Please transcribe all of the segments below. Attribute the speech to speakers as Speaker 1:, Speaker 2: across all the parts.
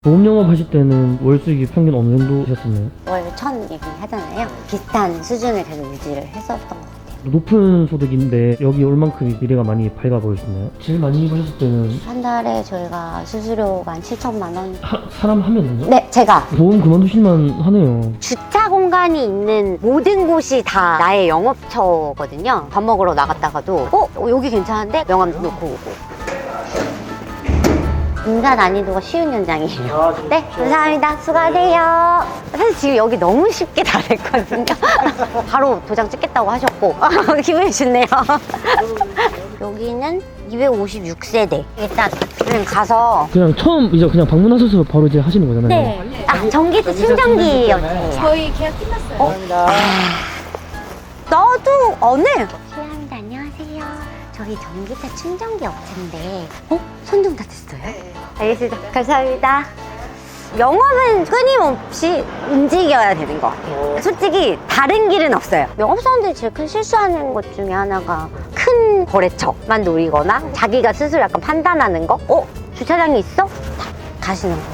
Speaker 1: 보험 영업 하실 때는 월 수익이 평균 어느 정도 되셨었나요?
Speaker 2: 월 1,000 얘기하잖아요. 비슷한 수준을 계속 유지를 했었던 것 같아요.
Speaker 1: 높은 소득인데 여기 올 만큼 미래가 많이 밝아 보이시나요? 제일 많이 버셨을 때는
Speaker 2: 한 달에 저희가 수수료가 한 7천만 원.
Speaker 1: 사람 하면은요?
Speaker 2: 네, 제가
Speaker 1: 보험 그만두실만 하네요.
Speaker 2: 주차 공간이 있는 모든 곳이 다 나의 영업처거든요. 밥 먹으러 나갔다가도 여기 괜찮은데? 명함 놓고 오고. 인사 난이도가 쉬운 현장이에요. 네, 감사합니다. 수고하세요. 사실 지금 여기 너무 쉽게 다 됐거든요. 바로 도장 찍겠다고 하셨고 기분이 좋네요. 여기는 256세대. 일단 그냥 가서
Speaker 1: 그냥 처음 이제 그냥 방문하셔서 바로 이제 하시는 거잖아요.
Speaker 2: 네. 전기세 충전기였어요.
Speaker 3: 저희 계약 끝났어요.
Speaker 2: 너도 어느? 실례합니다. 안녕하세요. 저희 전기차 충전기 업체인데 선정 다 됐어요? 알겠습니다. 감사합니다. 영업은 끊임없이 움직여야 되는 것 같아요. 솔직히 다른 길은 없어요. 영업사원들이 제일 큰 실수하는 것 중에 하나가 큰 거래처만 노리거나 자기가 스스로 약간 판단하는 거? 주차장이 있어? 다 가시는 거.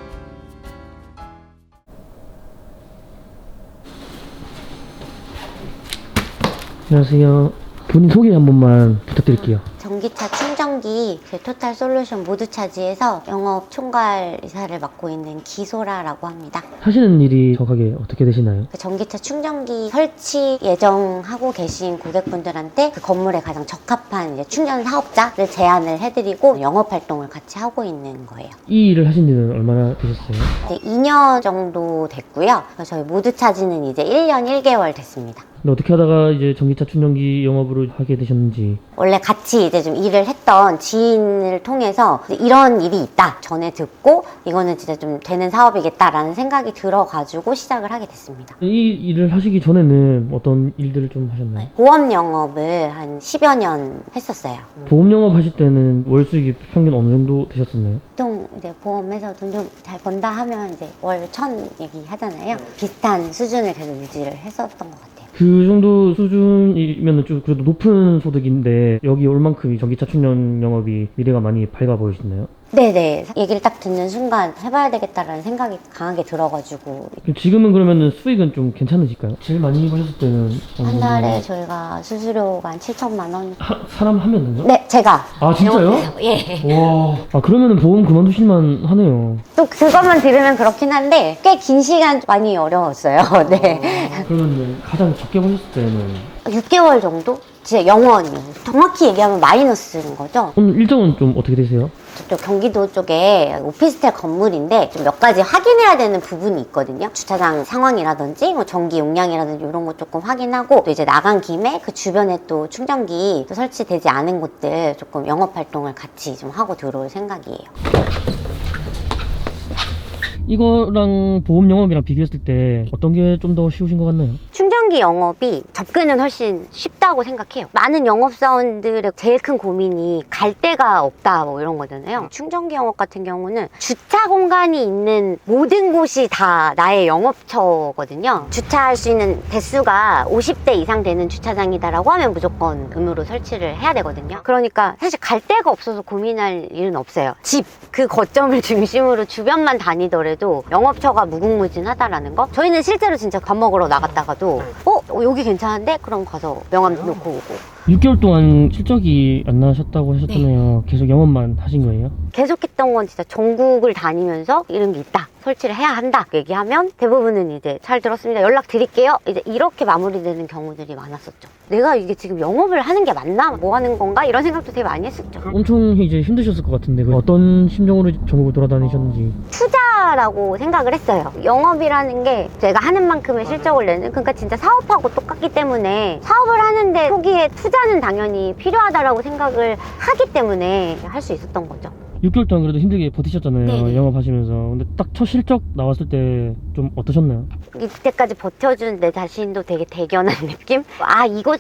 Speaker 1: 안녕하세요. 본인 소개 한 번만 부탁드릴게요.
Speaker 2: 전기차 충전기 토탈 솔루션 모두 차지에서 영업 총괄 이사를 맡고 있는 기소라라고 합니다.
Speaker 1: 하시는 일이 정확하게 어떻게 되시나요?
Speaker 2: 전기차 충전기 설치 예정하고 계신 고객분들한테 그 건물에 가장 적합한 이제 충전 사업자를 제안을 해드리고 영업 활동을 같이 하고 있는 거예요.
Speaker 1: 이 일을 하신 지는 얼마나 되셨어요?
Speaker 2: 이제 2년 정도 됐고요. 저희 모두 차지는 이제 1년 1개월 됐습니다.
Speaker 1: 근데 어떻게 하다가 이제 전기차 충전기 영업으로 하게 되셨는지.
Speaker 2: 원래 같이 이제 좀 일을 했던 지인을 통해서 이런 일이 있다 전에 듣고 이거는 진짜 좀 되는 사업이겠다라는 생각이 들어가지고 시작을 하게 됐습니다.
Speaker 1: 이 일을 하시기 전에는 어떤 일들을 좀 하셨나요?
Speaker 2: 보험 영업을 한 10여 년 했었어요.
Speaker 1: 보험 영업 하실 때는 월 수익이 평균 어느 정도 되셨었나요?
Speaker 2: 보통 이제 보험에서 돈 좀 잘 번다 하면 이제 월 1,000 얘기 하잖아요. 비슷한 수준을 계속 유지를 했었던 것 같아요.
Speaker 1: 그 정도 수준이면 좀 그래도 높은 소득인데 여기 올 만큼 이 전기차 충전 영업이 미래가 많이 밝아 보이시나요?
Speaker 2: 네네. 얘기를 딱 듣는 순간 해봐야 되겠다라는 생각이 강하게 들어가지고
Speaker 1: 지금은 그러면은 수익은 좀 괜찮으실까요? 제일 많이 버셨을 때는
Speaker 2: 한 달에 저희가 수수료가 한 7천만 원.
Speaker 1: 사람 하면은요?
Speaker 2: 네, 제가.
Speaker 1: 아 진짜요?
Speaker 2: 예.
Speaker 1: 와, 그러면은 보험 그만두실만 하네요.
Speaker 2: 또 그것만 들으면 그렇긴 한데 꽤 긴 시간 많이 어려웠어요. 네.
Speaker 1: 그러면 가장 적게 버셨을 때는
Speaker 2: 6개월 정도? 진짜 영원이요. 정확히 얘기하면 마이너스인 거죠.
Speaker 1: 오늘 일정은 좀 어떻게 되세요?
Speaker 2: 저쪽 경기도 쪽에 오피스텔 건물인데 좀 몇 가지 확인해야 되는 부분이 있거든요. 주차장 상황이라든지 뭐 전기 용량이라든지 이런 거 조금 확인하고 또 이제 나간 김에 그 주변에 또 충전기 또 설치되지 않은 곳들 조금 영업 활동을 같이 좀 하고 들어올 생각이에요.
Speaker 1: 이거랑 보험 영업이랑 비교했을 때 어떤 게 좀 더 쉬우신 것 같나요?
Speaker 2: 충전기 영업이 접근은 훨씬 쉽다고 생각해요. 많은 영업사원들의 제일 큰 고민이 갈 데가 없다 뭐 이런 거잖아요. 충전기 영업 같은 경우는 주차 공간이 있는 모든 곳이 다 나의 영업처거든요. 주차할 수 있는 대수가 50대 이상 되는 주차장이다라고 하면 무조건 의무로 설치를 해야 되거든요. 그러니까 사실 갈 데가 없어서 고민할 일은 없어요. 집 그 거점을 중심으로 주변만 다니더라도 영업처가 무궁무진하다라는 거. 저희는 실제로 진짜 밥 먹으러 나갔다가도 여기 괜찮은데? 그럼 가서 명함 놓고 오고.
Speaker 1: 6개월 동안 실적이 안 나셨다고 하셨잖아요. 계속 영업만 하신 거예요?
Speaker 2: 계속했던 건 진짜 전국을 다니면서 이런 게 있다, 설치를 해야 한다 얘기하면 대부분은 이제 잘 들었습니다, 연락 드릴게요, 이제 이렇게 마무리되는 경우들이 많았었죠. 내가 이게 지금 영업을 하는 게 맞나? 뭐 하는 건가? 이런 생각도 되게 많이 했었죠.
Speaker 1: 엄청 이제 힘드셨을 것 같은데 어떤 심정으로 전국을 돌아다니셨는지.
Speaker 2: 투자라고 생각을 했어요. 영업이라는 게 제가 하는 만큼의 실적을 내는, 그러니까 진짜 사업하고 똑같기 때문에 사업을 하는데 초기에 투자는 당연히 필요하다라고 생각을 하기 때문에 할 수 있었던 거죠.
Speaker 1: 6개월 동안 그래도 힘들게 버티셨잖아요.
Speaker 2: 네네.
Speaker 1: 영업하시면서. 근데 딱 첫 실적 나왔을 때 좀 어떠셨나요?
Speaker 2: 이때까지 버텨준 내 자신도 되게 대견한 느낌? 이거 진짜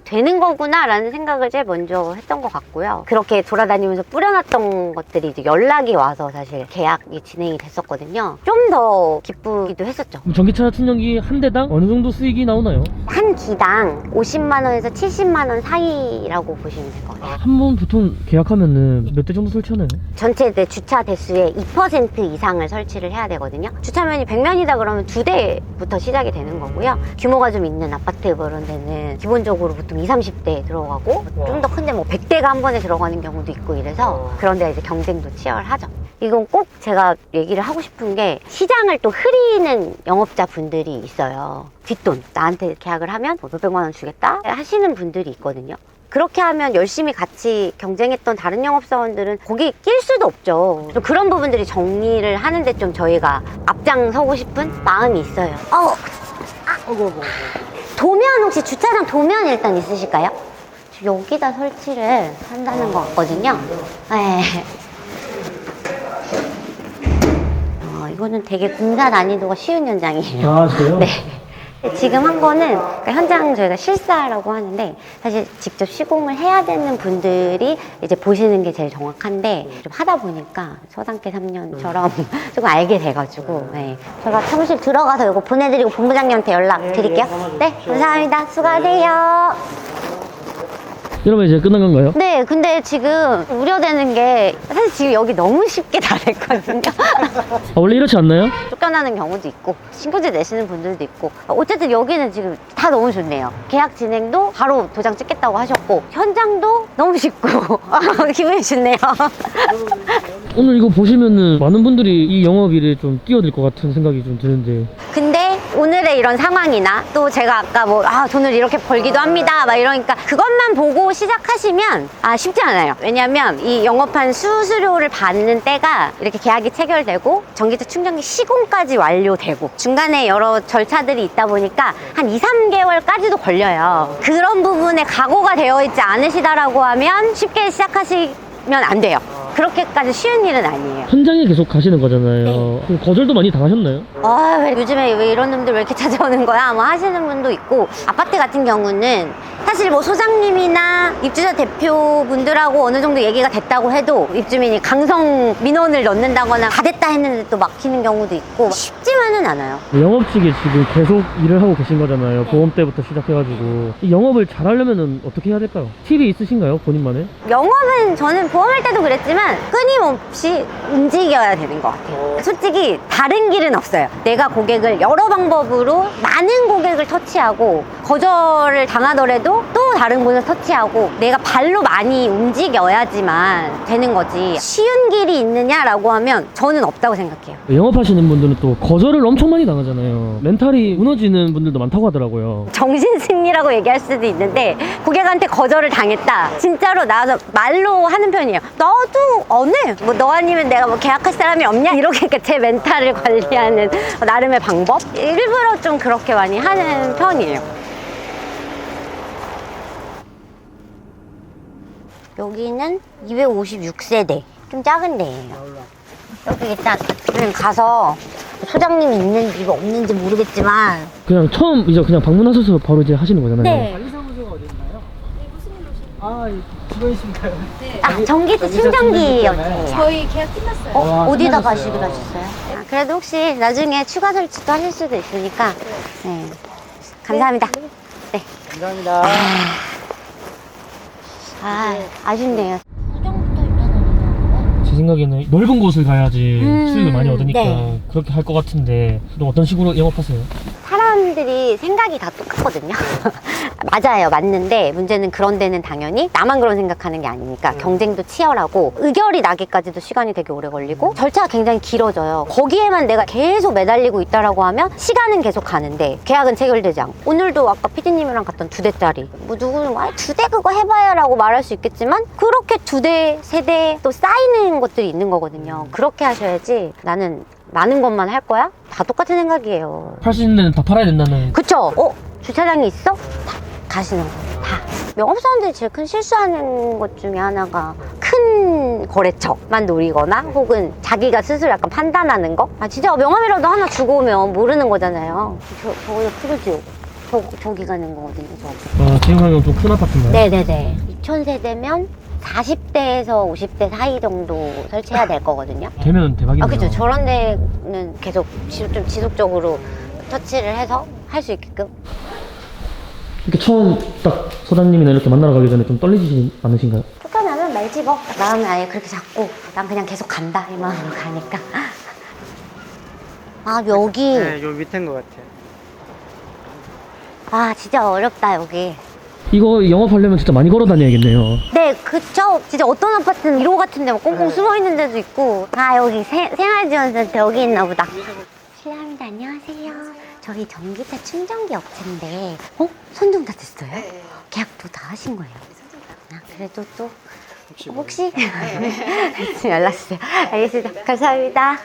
Speaker 2: 되는 거구나라는 생각을 제일 먼저 했던 것 같고요. 그렇게 돌아다니면서 뿌려놨던 것들이 이제 연락이 와서 사실 계약이 진행이 됐었거든요. 좀 더 기쁘기도 했었죠.
Speaker 1: 그럼 전기차 충전기 한 대당 어느 정도 수익이 나오나요?
Speaker 2: 한 기당 50만 원에서 70만 원 사이라고 보시면 될 것 같아요.
Speaker 1: 한 번 보통 계약하면은 몇 대 정도 설치하나요?
Speaker 2: 전체 내 주차 대수의 2% 이상을 설치를 해야 되거든요. 주차면이 100면이다 그러면 2대부터 시작이 되는 거고요. 규모가 좀 있는 아파트 그런 데는 기본적으로 보통 20, 30대 들어가고 좀 더 큰데 뭐 100대가 한 번에 들어가는 경우도 있고 이래서 그런 데 이제 경쟁도 치열하죠. 이건 꼭 제가 얘기를 하고 싶은 게 시장을 또 흐리는 영업자 분들이 있어요. 뒷돈 나한테 계약을 하면 뭐 몇백만 원 주겠다 하시는 분들이 있거든요. 그렇게 하면 열심히 같이 경쟁했던 다른 영업사원들은 거기 낄 수도 없죠. 좀 그런 부분들이 정리를 하는데 좀 저희가 앞장서고 싶은 마음이 있어요. 도면 혹시 주차장 도면 일단 있으실까요? 여기다 설치를 한다는 것 같거든요. 네. 이거는 되게 공사 난이도가 쉬운 현장이에요.
Speaker 1: 아, 그래요?
Speaker 2: 네. 지금 한 거는 그러니까 현장 저희가 실사라고 하는데 사실 직접 시공을 해야 되는 분들이 이제 보시는 게 제일 정확한데 좀 하다 보니까 서당계 3년처럼 조금 알게 돼가지고 네. 제가 사무실 들어가서 이거 보내드리고 본부장님한테 연락 드릴게요. 네, 감사합니다. 수고하세요.
Speaker 1: 이러면 이제 끝난 건가요?
Speaker 2: 네, 근데 지금 우려되는 게 사실 지금 여기 너무 쉽게 다 됐거든요.
Speaker 1: 아, 원래 이렇지 않나요?
Speaker 2: 쫓겨나는 경우도 있고 신고제 내시는 분들도 있고 어쨌든 여기는 지금 다 너무 좋네요. 계약 진행도 바로 도장 찍겠다고 하셨고 현장도 너무 쉽고 기분이 좋네요.
Speaker 1: 오늘 이거 보시면은 많은 분들이 이 영업일에 좀 끼어들 것 같은 생각이 좀 드는데
Speaker 2: 근데 오늘의 이런 상황이나 또 제가 아까 뭐 돈을 이렇게 벌기도 합니다 막 이러니까 그것만 보고 시작하시면 쉽지 않아요. 왜냐면 이 영업한 수수료를 받는 때가 이렇게 계약이 체결되고 전기차 충전기 시공까지 완료되고 중간에 여러 절차들이 있다 보니까 한 2, 3개월까지도 걸려요. 그런 부분에 각오가 되어 있지 않으시다라고 하면 쉽게 시작하시면 안 돼요. 그렇게까지 쉬운 일은 아니에요.
Speaker 1: 현장에 계속 가시는 거잖아요. 그럼 거절도 많이 당하셨나요?
Speaker 2: 요즘에 왜 이런 놈들 왜 이렇게 찾아오는 거야? 뭐 하시는 분도 있고 아파트 같은 경우는 사실 뭐 소장님이나 입주자 대표분들하고 어느 정도 얘기가 됐다고 해도 입주민이 강성 민원을 넣는다거나 다 됐다 했는데 또 막히는 경우도 있고 쉽지만은 않아요.
Speaker 1: 영업직에 지금 계속 일을 하고 계신 거잖아요. 보험 때부터 시작해가지고 이 영업을 잘하려면 어떻게 해야 될까요? 팁이 있으신가요? 본인만의?
Speaker 2: 영업은 저는 보험할 때도 그랬지만 끊임없이 움직여야 되는 것 같아요. 솔직히 다른 길은 없어요. 내가 고객을 여러 방법으로 많은 고객을 터치하고 거절을 당하더라도 또 다른 곳을 터치하고 내가 발로 많이 움직여야지만 되는 거지 쉬운 길이 있느냐라고 하면 저는 없다고 생각해요.
Speaker 1: 영업하시는 분들은 또 거절을 엄청 많이 당하잖아요. 멘탈이 무너지는 분들도 많다고 하더라고요.
Speaker 2: 정신승리라고 얘기할 수도 있는데 고객한테 거절을 당했다 진짜로 나와서 말로 하는 편이에요. 너도 어느 뭐 너 아니면 내가 뭐 계약할 사람이 없냐 이렇게 제 멘탈을 관리하는 나름의 방법 일부러 좀 그렇게 많이 하는 편이에요. 여기는 256세대 좀 작은 데예요. 여기 일단 그냥 가서 소장님이 있는지 없는지 모르겠지만
Speaker 1: 그냥 처음 이제 그냥 방문하셔서 바로 이제 하시는 거잖아요.
Speaker 2: 네.
Speaker 3: 관리사무소가 어디 있나요? 네, 무슨 일로 오신 직원이신가요?
Speaker 2: 아, 전기차 충전기였네요.
Speaker 3: 저희 계약 끝났어요.
Speaker 2: 어디다
Speaker 1: 끝나셨어요.
Speaker 2: 가시기로 하셨어요? 그래도 혹시 나중에 추가 설치도 하실 수도 있으니까 네. 감사합니다. 네.
Speaker 3: 감사합니다.
Speaker 2: 아쉽네요.
Speaker 1: 제 생각에는 넓은 곳을 가야지 수익을 많이 얻으니까
Speaker 2: 네.
Speaker 1: 그렇게 할 것 같은데 또 어떤 식으로 영업하세요?
Speaker 2: 사람들이 생각이 다 똑같거든요. 맞아요. 맞는데 문제는 그런 데는 당연히 나만 그런 생각하는 게 아니니까 경쟁도 치열하고 의결이 나기까지도 시간이 되게 오래 걸리고 절차가 굉장히 길어져요. 거기에만 내가 계속 매달리고 있다라고 하면 시간은 계속 가는데 계약은 체결되지 않고 오늘도 아까 PD님이랑 갔던 2대짜리 뭐 누구는 2대 그거 해봐야 라고 말할 수 있겠지만 그렇게 2대, 3대 또 쌓이는 것들이 있는 거거든요. 그렇게 하셔야지 나는 많은 것만 할 거야? 다 똑같은 생각이에요.
Speaker 1: 팔 수 있는 데는 다 팔아야 된다는.
Speaker 2: 그쵸? 주차장이 있어? 다 가시는 거예요. 다. 영업사원들이 제일 큰 실수하는 것 중에 하나가 큰 거래처만 노리거나 혹은 자기가 스스로 약간 판단하는 거? 진짜 명함이라도 하나 주고 오면 모르는 거잖아요. 저거 풀어지요. 저기 가는 거거든요.
Speaker 1: 아, 지금 가면 좀 큰 아파트인가요?
Speaker 2: 네네네. 2000세대면 40대에서 50대 사이 정도 설치해야 될 거거든요.
Speaker 1: 되면 대박이네요.
Speaker 2: 아, 그죠. 저런 데는 계속 좀 지속적으로 터치를 해서 할 수 있게끔.
Speaker 1: 이렇게 처음 딱 소장님이나 이렇게 만나러 가기 전에 좀 떨리지 않으신가요?
Speaker 2: 툭하면 말 집어. 마음을 아예 그렇게 잡고 난 그냥 계속 간다 이 마음으로 가니까. 아, 여기.
Speaker 4: 네, 요 밑인 것 같아요.
Speaker 2: 아, 진짜 어렵다 여기.
Speaker 1: 이거 영업하려면 진짜 많이 걸어 다녀야겠네요.
Speaker 2: 네, 그쵸. 진짜 어떤 아파트는 1호 같은 데 막 꽁꽁 숨어 있는 데도 있고. 아, 여기 생활지원센터 여기 있나 보다. 실례합니다. 안녕하세요. 저희 전기차 충전기 업체인데, 선정 다 됐어요? 계약도 다 하신 거예요? 아, 그래도 또 혹시 연락 주세요. 알겠습니다. 감사합니다.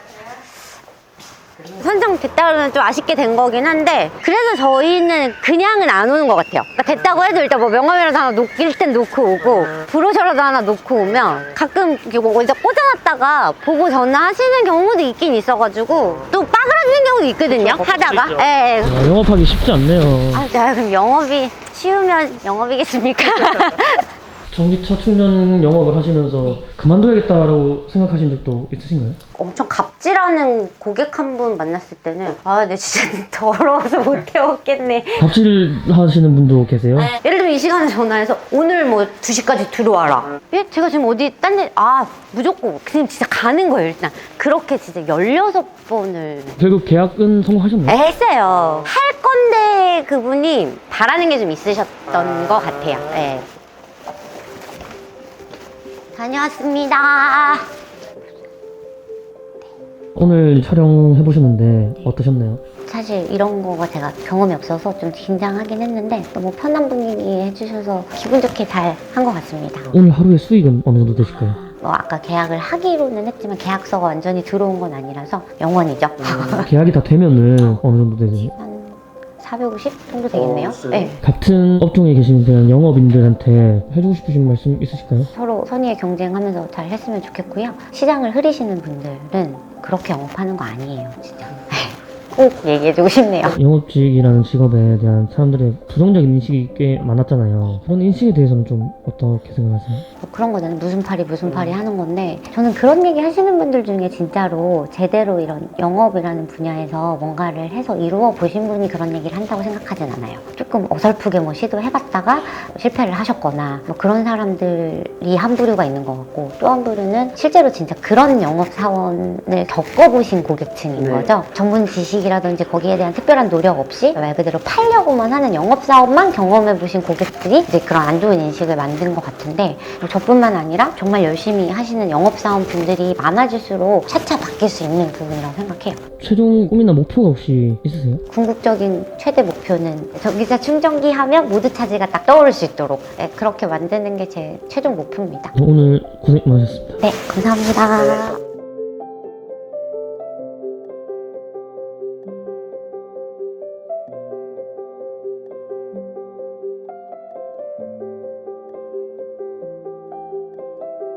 Speaker 2: 선정됐다 그러면 좀 아쉽게 된 거긴 한데, 그래서 저희는 그냥은 안 오는 것 같아요. 그러니까 됐다고 해도 일단 뭐 명함이라도 하나 놓길 땐 놓고 오고, 브로셔라도 하나 놓고 오면 가끔 뭐 어디다 꽂아놨다가 보고 전화하시는 경우도 있긴 있어가지고 또 빠그라지는 경우도 있거든요. 하다가. 예. 예.
Speaker 1: 아, 영업하기 쉽지 않네요.
Speaker 2: 아, 자, 그럼 영업이 쉬우면 영업이겠습니까?
Speaker 1: 전기차 충전 영업을 하시면서 그만둬야겠다라고 생각하신 적도 있으신가요?
Speaker 2: 엄청 갑질하는 고객 한 분 만났을 때는 아, 내 진짜 더러워서 못 해먹겠네.
Speaker 1: 갑질 하시는 분도 계세요?
Speaker 2: 예를 들면 이 시간에 전화해서 오늘 뭐 2시까지 들어와라. 예? 제가 지금 어디 딴 데, 무조건 그냥 진짜 가는 거예요, 일단. 그렇게 진짜 16번을
Speaker 1: 결국 계약은 성공하셨나요?
Speaker 2: 했어요. 할 건데 그분이 바라는 게 좀 있으셨던 것 같아요. 예. 다녀왔습니다.
Speaker 1: 오늘 촬영해 보셨는데 어떠셨나요?
Speaker 2: 사실 이런 거가 제가 경험이 없어서 좀 긴장하긴 했는데 너무 편한 분위기 해주셔서 기분 좋게 잘 한 것 같습니다.
Speaker 1: 오늘 하루의 수익은 어느 정도 되실까요?
Speaker 2: 아까 계약을 하기로는 했지만 계약서가 완전히 들어온 건 아니라서 영원이죠.
Speaker 1: 계약이 다 되면은 어느 정도 되세요?
Speaker 2: 한 450 정도 되겠네요. 네.
Speaker 1: 같은 업종에 계신 그냥 영업인들한테 해주고 싶으신 말씀 있으실까요?
Speaker 2: 서로 선의의 경쟁하면서 잘 했으면 좋겠고요. 시장을 흐리시는 분들은 그렇게 영업하는 거 아니에요, 진짜. 꼭 얘기해주고 싶네요.
Speaker 1: 영업직이라는 직업에 대한 사람들의 부정적인 인식이 꽤 많았잖아요. 그런 인식에 대해서는 좀 어떻게 생각하세요?
Speaker 2: 뭐 그런 거는 무슨 팔이 하는 건데, 저는 그런 얘기 하시는 분들 중에 진짜로 제대로 이런 영업이라는 분야에서 뭔가를 해서 이루어 보신 분이 그런 얘기를 한다고 생각하진 않아요. 조금 어설프게 뭐 시도해봤다가 실패를 하셨거나 뭐 그런 사람들이 한 부류가 있는 것 같고, 또 한 부류는 실제로 진짜 그런 영업사원을 겪어보신 고객층인 거죠. 전문 지식이라든지 거기에 대한 특별한 노력 없이 말 그대로 팔려고만 하는 영업사원만 경험해보신 고객들이 이제 그런 안 좋은 인식을 만든 것 같은데, 저뿐만 아니라 정말 열심히 하시는 영업사원 분들이 많아질수록 차차 바뀔 수 있는 부분이라고 생각해요.
Speaker 1: 최종 꿈이나 목표가 혹시 있으세요?
Speaker 2: 궁극적인 최대 목표는 전기차 충전기 하면 모두 차지가 딱 떠오를 수 있도록 그렇게 만드는 게 제 최종 목표입니다.
Speaker 1: 오늘 고생 많으셨습니다.
Speaker 2: 네, 감사합니다.